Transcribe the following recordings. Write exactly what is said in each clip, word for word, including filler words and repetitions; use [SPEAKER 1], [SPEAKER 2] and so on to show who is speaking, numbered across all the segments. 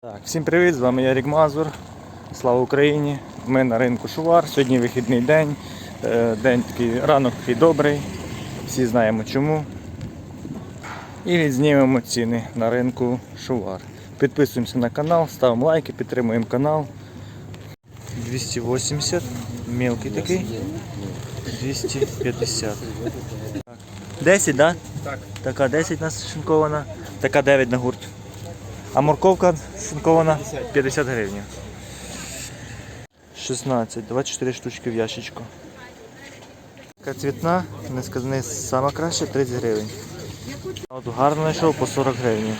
[SPEAKER 1] Так, всім привіт, з вами Ярік Мазур. Слава Україні! Ми на ринку Шувар. Сьогодні вихідний день. День такий, ранок такий добрий. Всі знаємо чому. І відзнімемо ціни на ринку Шувар. Підписуємося на канал, ставимо лайки, підтримуємо канал. двісті вісімдесят, мелкий такий. двісті п'ятдесят. десять, так?
[SPEAKER 2] Так.
[SPEAKER 1] Така десять у нас шинкована, така дев'ять на гурт. А морковка шинкована п'ятдесят гривень. шістнадцять, двадцять чотири штучки в ящичку. Така цвітна, не сказане, сама краща, тридцять гривень. От гарно знайшов по сорок гривень.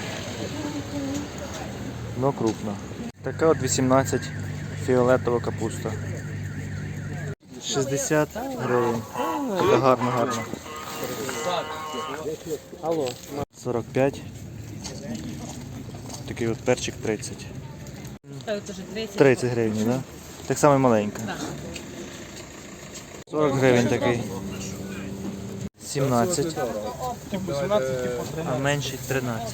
[SPEAKER 1] Но крупна. Така от вісімнадцять, фіолетова капуста. шістдесят гривень. Така гарна, гарна. сорок п'ять. Такий от перчик тридцять. тридцять гривень, да? Так само маленька. сорок гривень такий. сімнадцять. А менший тринадцять.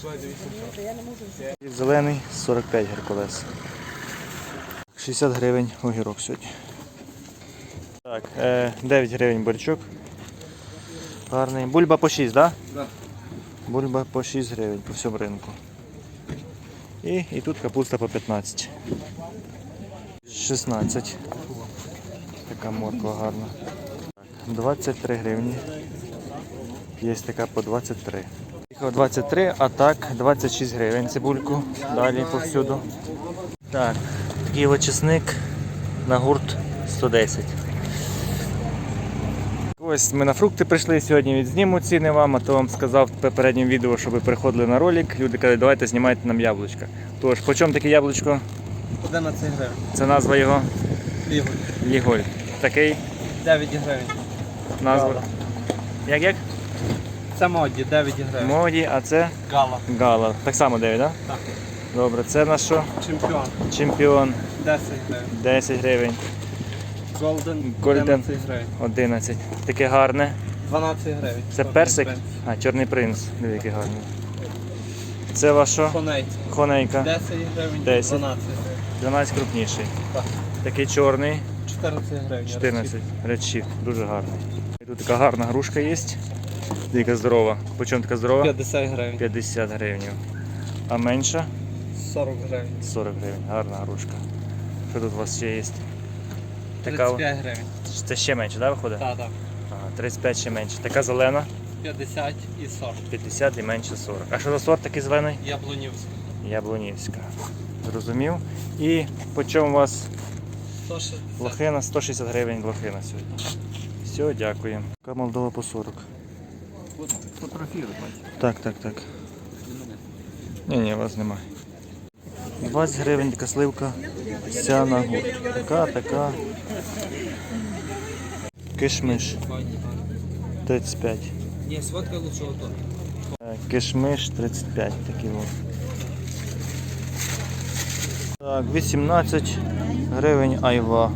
[SPEAKER 1] Зелений сорок п'ять геркулес. шістдесят гривень огірок сьогодні. Так, дев'ять гривень борчок. Гарний. Бульба по шість, так? Да?
[SPEAKER 2] Да.
[SPEAKER 1] Бульба по шість гривень по всьому ринку. І, і тут капуста по п'ятнадцять. шістнадцять. Така морква гарна. двадцять три гривні. Є така по двадцять три. двадцять три, а так двадцять шість гривень цибульку. Далі повсюду. Так, такий от чесник на гурт сто десять. Ось ми на фрукти прийшли, сьогодні відзніму ціни вам, а то вам сказав в попередньому відео, щоб ви приходили на ролик. Люди кажуть, давайте знімайте нам яблучка. Тож, по чому таке яблучко?
[SPEAKER 2] одинадцять гривень.
[SPEAKER 1] Це назва його?
[SPEAKER 2] Ліголь.
[SPEAKER 1] Ліголь. Такий?
[SPEAKER 2] дев'ять гривень.
[SPEAKER 1] Назва?
[SPEAKER 2] Гала.
[SPEAKER 1] Як як?
[SPEAKER 2] Це моді, дев'ять гривень.
[SPEAKER 1] Моді, а це?
[SPEAKER 2] Гала.
[SPEAKER 1] Гала. Так само дев'ять, так?
[SPEAKER 2] Так.
[SPEAKER 1] Добре, це на що?
[SPEAKER 2] Чемпіон.
[SPEAKER 1] Чемпіон.
[SPEAKER 2] десять гривень.
[SPEAKER 1] десять гривень.
[SPEAKER 2] Голден.
[SPEAKER 1] Golden.
[SPEAKER 2] одинадцять гривень.
[SPEAKER 1] одинадцять. Таке гарне.
[SPEAKER 2] дванадцять гривень.
[SPEAKER 1] Це
[SPEAKER 2] Чорний
[SPEAKER 1] персик?
[SPEAKER 2] принц.
[SPEAKER 1] А, чорний принц. Диви, який гарний. Це ваш що?
[SPEAKER 2] Коней.
[SPEAKER 1] Хонейка.
[SPEAKER 2] десять гривень.
[SPEAKER 1] десять.
[SPEAKER 2] дванадцять гривень.
[SPEAKER 1] дванадцять крупніший.
[SPEAKER 2] Так.
[SPEAKER 1] Такий чорний.
[SPEAKER 2] чотирнадцять гривень.
[SPEAKER 1] чотирнадцять. Редшіфт. Дуже гарний. І тут така гарна грушка є. Дика здорова. По чому така здорова?
[SPEAKER 2] п'ятдесят гривень.
[SPEAKER 1] п'ятдесят гривень. А менша?
[SPEAKER 2] сорок гривень.
[SPEAKER 1] сорок гривень. Гарна грушка. Що тут у вас ще є? Така...
[SPEAKER 2] тридцять п'ять гривень.
[SPEAKER 1] Це ще менше, так, виходить?
[SPEAKER 2] Так, так.
[SPEAKER 1] Ага, тридцять п'ять ще менше. Така зелена?
[SPEAKER 2] п'ятдесят і сорок.
[SPEAKER 1] п'ятдесят і менше сорок. А що за сорт такий зелений?
[SPEAKER 2] Яблунівська.
[SPEAKER 1] Яблунівська. Зрозумів. І по чому у вас
[SPEAKER 2] сто шістдесят.
[SPEAKER 1] лохина? сто шістдесят гривень лохина сьогодні. Все, дякую. Така Молдова по сорок.
[SPEAKER 2] Фотографіруй, бачиш.
[SPEAKER 1] Так, так, так. Ні, ні, вас немає. двадцять гривень така сливка. Вся на гурт. Така, така. Кишмиш. тридцять п'ять.
[SPEAKER 2] Ні, сводка лучше ото.
[SPEAKER 1] Кишмиш тридцять п'ять. Такий от. Так, вісімнадцять гривень айва.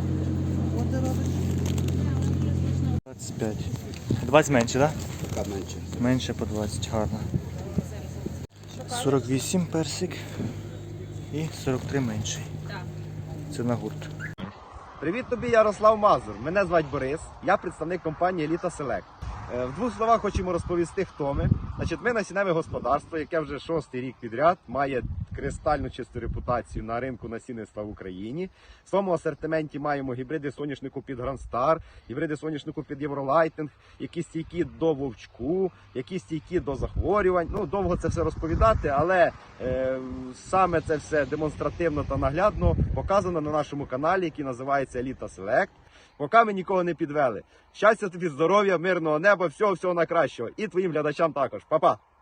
[SPEAKER 1] двадцять п'ять. двадцять менше, так?
[SPEAKER 2] Так, менше.
[SPEAKER 1] Менше по двадцять, гарно. сорок вісім персик і сорок три менший. Це на гурт.
[SPEAKER 3] Привіт тобі, Ярослав Мазур. Мене звать Борис, я представник компанії Еліта Селект. В двох словах хочемо розповісти, хто ми. Значить, ми насінневе господарство, яке вже шостий рік підряд має кристально чисту репутацію на ринку насінництва в Україні. В своєму асортименті маємо гібриди соняшнику під Грандстар, гібриди соняшнику під Євролайтинг, які стійкі до вовчку, які стійкі до захворювань. Ну, довго це все розповідати, але е, саме це все демонстративно та наглядно показано на нашому каналі, який називається Еліта Селект. Поки ми нікого не підвели. Щастя тобі, здоров'я, мирного неба, всього-всього найкращого. І твоїм глядачам також. Па-па!